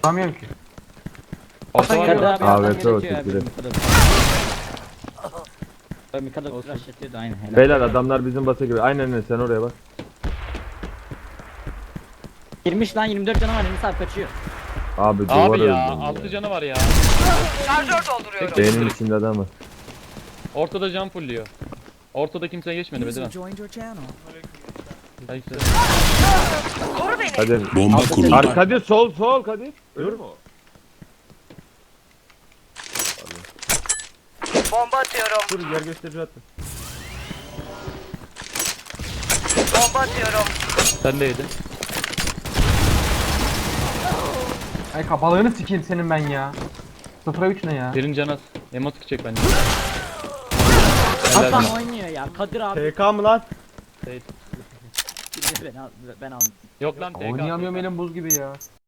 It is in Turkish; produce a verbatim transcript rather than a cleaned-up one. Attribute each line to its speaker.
Speaker 1: Tutamıyorum ki.
Speaker 2: Orta var
Speaker 3: Kadir
Speaker 2: ya.
Speaker 3: abi
Speaker 4: A
Speaker 3: alttan
Speaker 4: W P o
Speaker 3: geletiyor abi.
Speaker 4: tekrar.
Speaker 3: Mikado. Abi Mikado flash yatıyordu aynen. helal.
Speaker 4: Beyler adamlar bizim basa gibi. Aynen öyle sen oraya bak.
Speaker 3: Girmiş lan yirmi dört canı var Enis abi kaçıyor.
Speaker 4: Abi duvar
Speaker 2: Abi ya
Speaker 4: öldü.
Speaker 2: altı canı var ya.
Speaker 5: Şarjör dolduruyorum.
Speaker 4: Beynin içinde adamı.
Speaker 2: Ortada can fulluyor. Ortada kimse geçmedi Bedirhan.
Speaker 6: joined your channel.
Speaker 2: Hayır.
Speaker 5: Koru beni.
Speaker 4: Kadir.
Speaker 7: Bomba
Speaker 3: Altı
Speaker 7: kuruldu.
Speaker 4: Ar Kadir sol sol Kadir. Ölür mü o?
Speaker 5: Bomba atıyorum.
Speaker 4: Dur yer gösterici attı.
Speaker 5: Bomba atıyorum.
Speaker 2: Sen de yedin.
Speaker 1: Ay kabalığını sikeyim senin ben ya. sıfıra üç ne ya?
Speaker 2: Birin canı az. Emotik çek bence.
Speaker 3: Hasan
Speaker 2: Helal.
Speaker 3: oynuyor ya Kadir abi.
Speaker 4: T K mı lan?
Speaker 2: Değil.
Speaker 3: ben al ben aldım.
Speaker 2: Yok lan T K.
Speaker 1: Oynayamıyorum elim buz gibi ya.